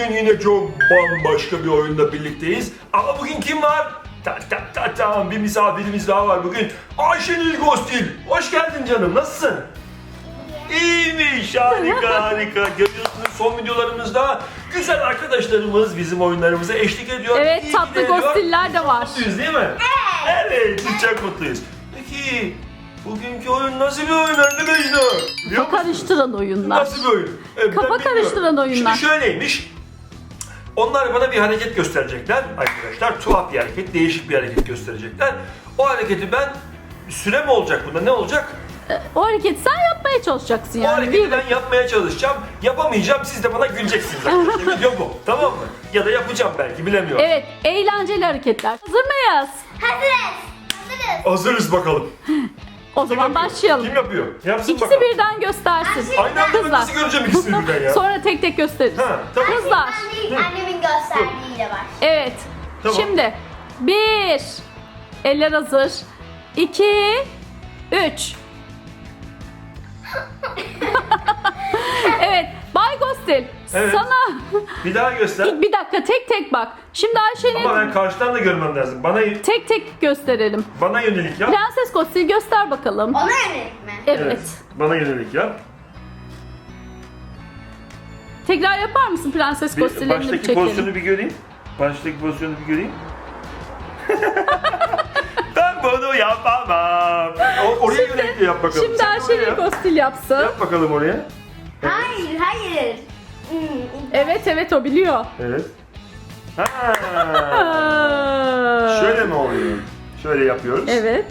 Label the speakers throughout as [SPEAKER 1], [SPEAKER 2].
[SPEAKER 1] Bugün yine çok bambaşka bir oyunda birlikteyiz. Ama bugün kim var? Bir misafirimiz daha var bugün. Ayşenil Gostil. Hoş geldin canım. Nasılsın? İyiymiş. Harika harika. Görüyorsunuz son videolarımızda güzel arkadaşlarımız bizim oyunlarımıza eşlik ediyor.
[SPEAKER 2] Evet,
[SPEAKER 1] İyi
[SPEAKER 2] tatlı
[SPEAKER 1] ki de ediyor.
[SPEAKER 2] Gostiller de var.
[SPEAKER 1] Mutluyuz değil mi? Evet. Çok mutluyuz. Peki bugünkü oyun nasıl bir oyun arkadaşlar?
[SPEAKER 2] Kafa karıştıran oyunlar.
[SPEAKER 1] Nasıl bir oyun?
[SPEAKER 2] Kafa karıştıran oyunlar.
[SPEAKER 1] Şimdi şöyleymiş. Onlar bana bir hareket gösterecekler arkadaşlar. Tuhaf bir hareket, değişik bir hareket gösterecekler. O hareketi ben, süre mi olacak bunda, ne olacak?
[SPEAKER 2] O hareketi sen yapmaya çalışacaksın
[SPEAKER 1] O
[SPEAKER 2] yani.
[SPEAKER 1] hareketi ben yapmaya çalışacağım. Yapamayacağım, siz de bana güleceksiniz arkadaşlar. Video bu, tamam mı? Ya da yapacağım belki, bilemiyorum.
[SPEAKER 2] Evet, eğlenceli hareketler. Hazır mıyız?
[SPEAKER 3] Hazırız.
[SPEAKER 1] Hazırız bakalım.
[SPEAKER 2] O zaman
[SPEAKER 1] Kim yapıyor?
[SPEAKER 2] başlayalım.
[SPEAKER 1] Kim yapıyor? Yapsın
[SPEAKER 2] İkisi
[SPEAKER 1] bakalım.
[SPEAKER 2] birden göstersin.
[SPEAKER 1] Aynı anda ben
[SPEAKER 2] Kızlar.
[SPEAKER 1] nasıl göreceğim ikisini birden ya?
[SPEAKER 2] Sonra tek tek gösteririz.
[SPEAKER 1] Ha, tamam.
[SPEAKER 2] Kızlar.
[SPEAKER 3] Ben değil, annemin gösterdiğiyle var.
[SPEAKER 2] Evet.
[SPEAKER 1] Tamam.
[SPEAKER 2] Şimdi 1, eller hazır. 2, 3. Evet, Bay Gostil.
[SPEAKER 1] Evet.
[SPEAKER 2] Sana
[SPEAKER 1] Bir daha göster.
[SPEAKER 2] bir dakika tek tek bak. Şimdi Ayşe'nin
[SPEAKER 1] Ama ben karşıdan da görmem lazım.
[SPEAKER 2] tek tek gösterelim.
[SPEAKER 1] Bana yönelik yap.
[SPEAKER 2] Prenses Gostil göster bakalım.
[SPEAKER 3] Ona yönelik mi?
[SPEAKER 2] Evet.
[SPEAKER 1] Bana yönelik yap.
[SPEAKER 2] Tekrar yapar mısın Prenses Gostil'in bir
[SPEAKER 1] Baştaki
[SPEAKER 2] çekelim.
[SPEAKER 1] pozisyonu bir göreyim. Baştaki pozisyonu bir göreyim. Ben bunu yapamam. Oraya yönelik de yap bakalım.
[SPEAKER 2] Şimdi
[SPEAKER 1] Sen de oraya
[SPEAKER 2] Ayşe'nin
[SPEAKER 1] yap.
[SPEAKER 2] Gostil yapsın.
[SPEAKER 1] Yap bakalım oraya.
[SPEAKER 3] Hayır, hayır.
[SPEAKER 2] Evet o biliyor.
[SPEAKER 1] Evet. Ha. Şöyle mi oluyor? Şöyle yapıyoruz.
[SPEAKER 2] Evet.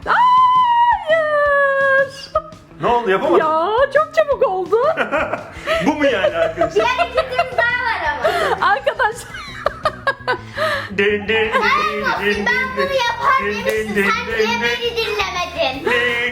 [SPEAKER 2] Hayır.
[SPEAKER 1] Ne oldu, yapamadın?
[SPEAKER 2] Ya çok çabuk oldu.
[SPEAKER 1] Bu mu yani arkadaşlar?
[SPEAKER 3] Bir hareketimiz daha var ama.
[SPEAKER 2] Arkadaşlar.
[SPEAKER 1] Din, din, din,
[SPEAKER 3] Ben
[SPEAKER 1] din,
[SPEAKER 3] bunu
[SPEAKER 1] din,
[SPEAKER 3] yapar
[SPEAKER 1] din,
[SPEAKER 3] demiştin.
[SPEAKER 1] din,
[SPEAKER 3] Sen
[SPEAKER 1] din,
[SPEAKER 3] niye
[SPEAKER 1] din,
[SPEAKER 3] beni dinlemedin?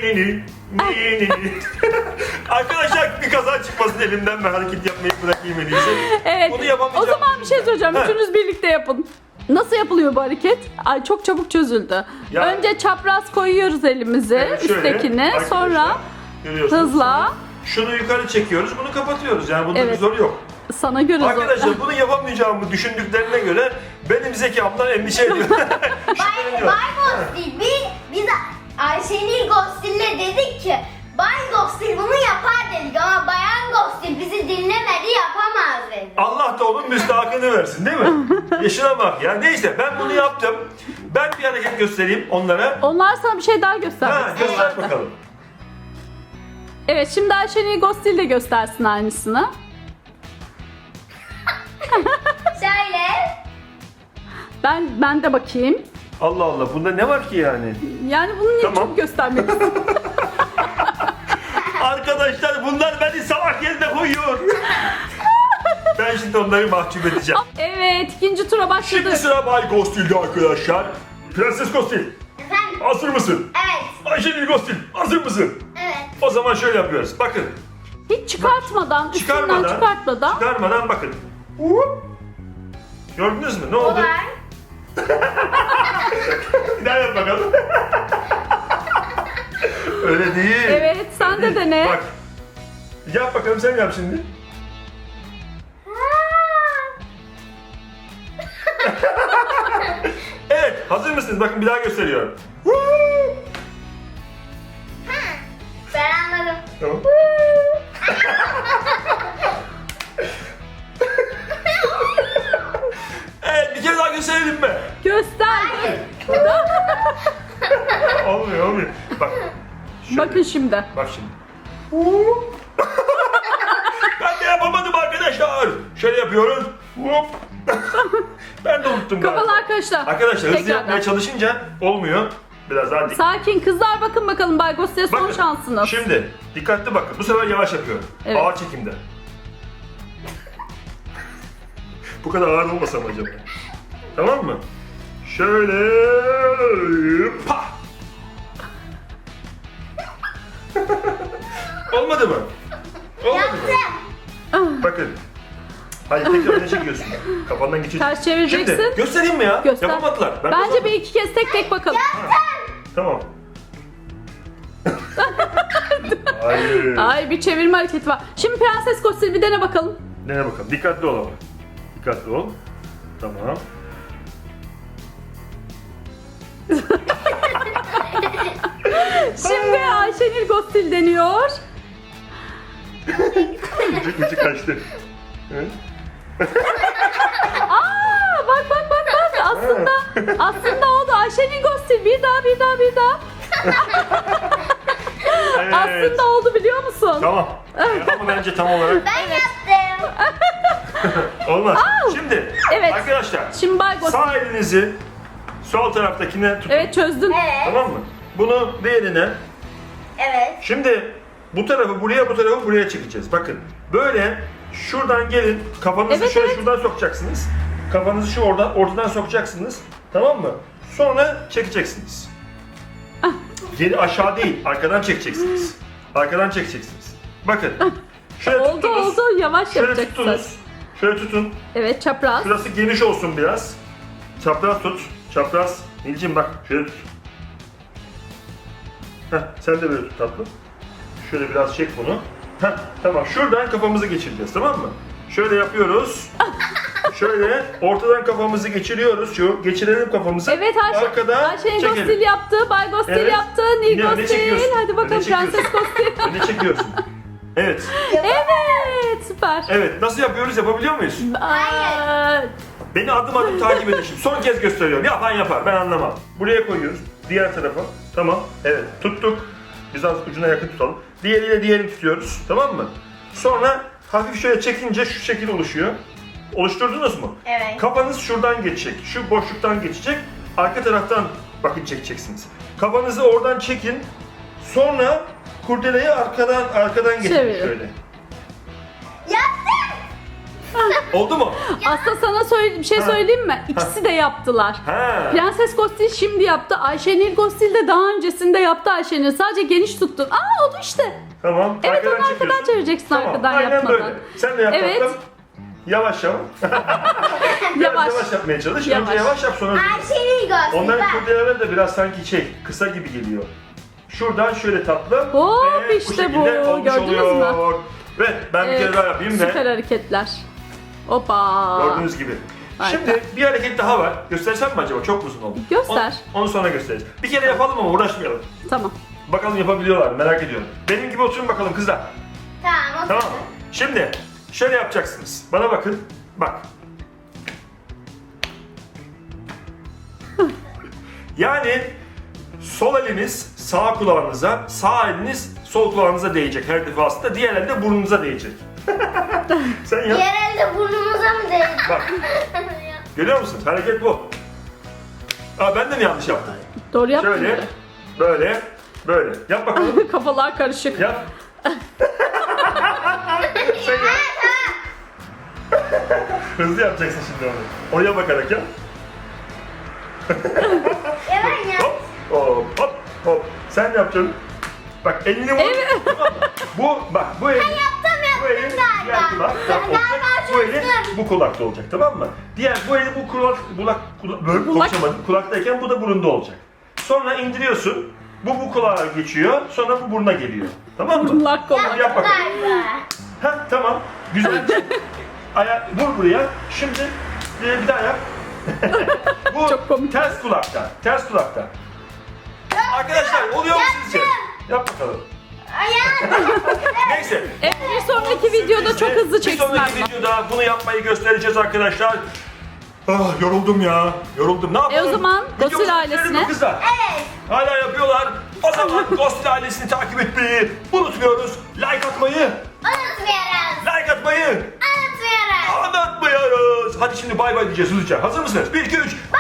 [SPEAKER 1] Arkadaşlar bir kaza çıkmasın elimden, ben hareket yapmayı bırakayım en iyisi.
[SPEAKER 2] Evet.
[SPEAKER 1] Bunu yapamayacağım.
[SPEAKER 2] O zaman bir şey söyleyeceğim.
[SPEAKER 1] Heh.
[SPEAKER 2] Üçünüz birlikte yapın. Nasıl yapılıyor bu hareket? Ay çok çabuk çözüldü.
[SPEAKER 1] Ya.
[SPEAKER 2] Önce çapraz koyuyoruz elimizi
[SPEAKER 1] Evet, şöyle,
[SPEAKER 2] üsttekini.
[SPEAKER 1] arkadaşlar,
[SPEAKER 2] Sonra
[SPEAKER 1] görüyorsunuz.
[SPEAKER 2] hızla.
[SPEAKER 1] Şunu yukarı çekiyoruz, bunu kapatıyoruz. Yani bunda bir
[SPEAKER 2] Evet.
[SPEAKER 1] zor yok.
[SPEAKER 2] Sana göre zor.
[SPEAKER 1] Arkadaşlar bunu yapamayacağımı düşündüklerine göre benim zekamdan endişe ediyor.
[SPEAKER 3] Bay Gostil, biz Ayşenil Gostil'le dedik ki Bay Gostil bunu yapar dedik ama Bayan Gostil bizi dinlemedi, yapamaz dedi.
[SPEAKER 1] Allah da onun müstahakını versin değil mi? Yaşına bak ya. Neyse ben bunu yaptım. Ben bir hareket göstereyim onlara.
[SPEAKER 2] Onlar sana bir şey daha göstermek
[SPEAKER 1] Ha,
[SPEAKER 2] istiyor.
[SPEAKER 1] göster bakalım.
[SPEAKER 2] Evet, şimdi Ayşenil Gostil de göstersin aynısını.
[SPEAKER 3] Şöyle.
[SPEAKER 2] Ben de bakayım.
[SPEAKER 1] Allah Allah, bunda ne var ki yani?
[SPEAKER 2] Yani bunu niye
[SPEAKER 1] Tamam.
[SPEAKER 2] çok göstermek istiyorsun?
[SPEAKER 1] Arkadaşlar bunlar beni salak yerine koyuyor. Ben şimdi onları mahcup edeceğim.
[SPEAKER 2] Evet, ikinci tura başladı.
[SPEAKER 1] Şimdi sıra Bay Gostil'de arkadaşlar. Prenses Gostil,
[SPEAKER 3] Efendim?
[SPEAKER 1] hazır mısın?
[SPEAKER 3] Evet.
[SPEAKER 1] Ayşenil Gostil, hazır mısın?
[SPEAKER 3] Evet.
[SPEAKER 1] O zaman şöyle yapıyoruz. Bakın.
[SPEAKER 2] Hiç çıkartmadan, üstünden çıkartmadan.
[SPEAKER 1] Çıkarmadan bakın. Hop. Gördünüz mü? Ne oldu?
[SPEAKER 3] Olay.
[SPEAKER 1] Bir daha yap bakalım. Öyle değil.
[SPEAKER 2] Evet, sen de dene.
[SPEAKER 1] Bak. Yap bakalım, sen yap şimdi. Evet, hazır mısınız? Bakın bir daha gösteriyorum.
[SPEAKER 3] Ben anladım.
[SPEAKER 1] Tamam. Evet, bir kere daha gösterelim mi?
[SPEAKER 2] Göster.
[SPEAKER 1] Olmuyor. Bak. Şöyle.
[SPEAKER 2] Bakın şimdi.
[SPEAKER 1] Bak şimdi. Ben de yapamadım arkadaşlar. Şöyle yapıyoruz. Hop. Ben de unuttum galiba.
[SPEAKER 2] Kafalar karıştı.
[SPEAKER 1] Arkadaşlar hızlı
[SPEAKER 2] Tekrardan.
[SPEAKER 1] yapmaya çalışınca olmuyor. Biraz daha dik.
[SPEAKER 2] Sakin kızlar, bakın bakalım Bay Gostil'e son
[SPEAKER 1] Bakın,
[SPEAKER 2] şansınız.
[SPEAKER 1] Şimdi dikkatli bakın. Bu sefer yavaş yapıyorum.
[SPEAKER 2] Evet.
[SPEAKER 1] Ağır çekimde. Bu kadar ağır olmasa mı acaba? Tamam mı? Şöyle. Pah! Olmadı mı? Olmadı mı?
[SPEAKER 3] Yaptım.
[SPEAKER 1] Bakın. Hayır, tekrar öne çekiyorsun. Kafandan geçiyorsun.
[SPEAKER 2] Ters çevireceksin.
[SPEAKER 1] Şimdi göstereyim mi ya?
[SPEAKER 2] Göster.
[SPEAKER 1] Yapamadılar. Ben
[SPEAKER 2] Bence
[SPEAKER 1] kazandım.
[SPEAKER 2] bir iki kez tek bakalım.
[SPEAKER 1] Tamam. Hayır.
[SPEAKER 2] Ay, bir çevirme hareketi var. Şimdi Prenses Gostil bir dene bakalım.
[SPEAKER 1] Dene bakalım. Dikkatli ol ama. Dikkatli ol. Tamam.
[SPEAKER 2] Şimdi Ayşenil Gostil deniyor.
[SPEAKER 1] Ucu kaçtı. Evet.
[SPEAKER 2] Aa, bak. Aslında oldu. Ayşenil Gostil bir daha.
[SPEAKER 1] Evet.
[SPEAKER 2] Aslında oldu biliyor musun?
[SPEAKER 1] Tamam. Ama bence tam olarak
[SPEAKER 3] Ben yaptım.
[SPEAKER 1] olmaz. Şimdi
[SPEAKER 2] Evet.
[SPEAKER 1] arkadaşlar
[SPEAKER 2] Şimdi Bay Gostil.
[SPEAKER 1] sağ elinizi sol taraftakine tutun.
[SPEAKER 2] Evet çözdün.
[SPEAKER 3] Evet.
[SPEAKER 1] Tamam mı? Bunu diğerine.
[SPEAKER 3] Evet.
[SPEAKER 1] Şimdi bu tarafı buraya, bu tarafı buraya çekeceğiz. Bakın böyle şuradan gelin. Kafanızı
[SPEAKER 2] Evet,
[SPEAKER 1] şöyle
[SPEAKER 2] evet.
[SPEAKER 1] şuradan sokacaksınız. Kafanızı şu ortadan sokacaksınız. Tamam mı? Sonra çekeceksiniz. Geri aşağı değil, arkadan çekeceksiniz. Arkadan çekeceksiniz. Bakın. Şöyle
[SPEAKER 2] Oldu
[SPEAKER 1] tuttunuz.
[SPEAKER 2] yavaş
[SPEAKER 1] Şöyle
[SPEAKER 2] yapacaksın.
[SPEAKER 1] tuttunuz. Şöyle tutun.
[SPEAKER 2] Evet çapraz.
[SPEAKER 1] Şurası geniş olsun biraz. Çapraz tut. Çapraz. Nilcim bak şöyle tut. Heh, sen de böyle tut tatlım. Şöyle biraz çek bunu. Heh, tamam. Şuradan kafamızı geçireceğiz, tamam mı? Şöyle yapıyoruz. Şöyle ortadan kafamızı geçiriyoruz. Geçirelim kafamızı.
[SPEAKER 2] Evet Ayşenil
[SPEAKER 1] çekelim.
[SPEAKER 2] Gostil yaptı. Bay Gostil
[SPEAKER 1] Evet.
[SPEAKER 2] yaptı. Nil
[SPEAKER 1] Yine öne
[SPEAKER 2] Gostil.
[SPEAKER 1] çekiyorsun.
[SPEAKER 2] Hadi bakalım
[SPEAKER 1] Öne çekiyorsun.
[SPEAKER 2] Prenses Gostil.
[SPEAKER 1] Öne çekiyorsun. Evet.
[SPEAKER 2] Evet süper.
[SPEAKER 1] Evet. Nasıl yapıyoruz? Yapabiliyor muyuz?
[SPEAKER 2] Aa,
[SPEAKER 1] Beni adım adım takip edin şimdi. Son kez gösteriyorum. Yapan yapar. Ben anlamam. Buraya koyuyoruz. Diğer tarafa. Tamam. Evet. Tuttuk. Biz az ucuna yakın tutalım. Diğeriyle diğerini tutuyoruz. Tamam mı? Sonra hafif şöyle çekince şu şekil oluşuyor. Oluşturdunuz mu?
[SPEAKER 3] Evet.
[SPEAKER 1] Kafanız şuradan geçecek. Şu boşluktan geçecek. Arka taraftan bakın çekeceksiniz. Kafanızı oradan çekin. Sonra kurdeleyi arkadan getirin
[SPEAKER 2] Çevirin.
[SPEAKER 1] şöyle.
[SPEAKER 3] Yaptım.
[SPEAKER 1] Oldu mu?
[SPEAKER 2] aslında sana bir şey söyleyeyim mi? İkisi de yaptılar.
[SPEAKER 1] Ha.
[SPEAKER 2] Prenses Gostil şimdi yaptı. Ayşenil Gostil de daha öncesinde yaptı Ayşenil. Sadece geniş tuttun. Aa oldu işte.
[SPEAKER 1] Tamam.
[SPEAKER 2] Evet, onu arkadan
[SPEAKER 1] çekiyorsun.
[SPEAKER 2] çevireceksin,
[SPEAKER 1] Tamam,
[SPEAKER 2] arkadan
[SPEAKER 1] aynen
[SPEAKER 2] yapmadan.
[SPEAKER 1] Böyle. Sen de yap
[SPEAKER 2] Evet.
[SPEAKER 1] bakalım. Yavaş yavaş.
[SPEAKER 2] Yavaş.
[SPEAKER 1] Yavaş yapmaya çalış.
[SPEAKER 2] Yavaş.
[SPEAKER 1] Önce yavaş yap sonra.
[SPEAKER 3] Ayşenil Gostil.
[SPEAKER 1] Onların
[SPEAKER 3] bak.
[SPEAKER 1] kurdeleleri de biraz sanki kısa gibi geliyor. Şuradan şöyle tatlı.
[SPEAKER 2] Hop,
[SPEAKER 1] ve
[SPEAKER 2] işte
[SPEAKER 1] şekilde
[SPEAKER 2] bu.
[SPEAKER 1] olmuş
[SPEAKER 2] Gördünüz mü?
[SPEAKER 1] oluyor. Ve ben bir kere daha yapayım
[SPEAKER 2] Süper
[SPEAKER 1] ve
[SPEAKER 2] hareketler. Hoppa.
[SPEAKER 1] gördüğünüz gibi.
[SPEAKER 2] Harika.
[SPEAKER 1] Şimdi bir hareket daha var. Göstersem mi acaba? Çok uzun oldu.
[SPEAKER 2] Göster.
[SPEAKER 1] Onu sonra gösteririz. Bir kere yapalım ama uğraşmayalım.
[SPEAKER 2] Tamam.
[SPEAKER 1] Bakalım yapabiliyorlar mı? Merak ediyorum. Benim gibi oturun bakalım kızlar.
[SPEAKER 3] Tamam.
[SPEAKER 1] Tamam mı? Şimdi şöyle yapacaksınız. Bana bakın. Bak. Yani sol eliniz sağ kulağınıza, sağ eliniz sol kulağınıza değecek her defasında. Diğer el de burnunuza değecek. Sen yap.
[SPEAKER 3] Diğer elde burnumuza mı değdi?
[SPEAKER 1] Bak. Görüyor musun? Hareket bu. Aa, ben de mi yanlış yaptım?
[SPEAKER 2] Doğru yaptın.
[SPEAKER 1] Şöyle,
[SPEAKER 2] böyle.
[SPEAKER 1] böyle, böyle. Yap bakalım.
[SPEAKER 2] Kafalar karışık.
[SPEAKER 1] Yap. Sen yap. Hızlı yapacaksın şimdi onu. Oraya bakarak yap.
[SPEAKER 3] Ya ben ya.
[SPEAKER 1] Hop, hop, hop, hop. Sen ne yapacaksın? Bak elini vur.
[SPEAKER 2] Evet.
[SPEAKER 1] Tamam mı? Bu elin. Bu elin
[SPEAKER 3] galiba.
[SPEAKER 1] diğer kulak
[SPEAKER 3] Ben
[SPEAKER 1] olacak.
[SPEAKER 3] galiba
[SPEAKER 1] Bu elin
[SPEAKER 3] çözdüm.
[SPEAKER 1] bu kulakta olacak, tamam mı? Bu eli bu böyle
[SPEAKER 2] Kulak.
[SPEAKER 1] konuşamadım. Kulaktayken bu da burunda olacak. Sonra indiriyorsun. Bu kulağa geçiyor. Sonra bu buruna geliyor. Tamam mı?
[SPEAKER 2] Kulak kolak.
[SPEAKER 1] Yap bakalım.
[SPEAKER 3] Galiba.
[SPEAKER 1] Ha tamam. Güzel. Vur buraya. Şimdi bir daha yap. Bu
[SPEAKER 2] Çok komik.
[SPEAKER 1] ters kulakta. Ters kulakta. Arkadaşlar oluyor mu sizce? Yap bakalım.
[SPEAKER 3] Ayağım.
[SPEAKER 1] Neyse.
[SPEAKER 2] Evet bir sonraki videoda çok hızlı
[SPEAKER 1] Bir
[SPEAKER 2] çeksinler.
[SPEAKER 1] sonraki videoda bunu yapmayı göstereceğiz arkadaşlar. Ah yoruldum ya. Yoruldum. Ne yapalım?
[SPEAKER 2] o zaman
[SPEAKER 1] Videomuzu
[SPEAKER 2] Gostil
[SPEAKER 1] bitirelim mi
[SPEAKER 2] ailesine-
[SPEAKER 1] kızlar?
[SPEAKER 3] Evet.
[SPEAKER 1] Hala yapıyorlar. O zaman Gostil ailesini takip etmeyi unutmuyoruz. Like atmayı.
[SPEAKER 3] Unutmuyoruz.
[SPEAKER 1] Like atmayı.
[SPEAKER 3] Unutmuyoruz.
[SPEAKER 1] Anlatmıyoruz. Hadi şimdi bay bay diyeceğiz hızlıca. Hazır mısınız? 1, 2, 3.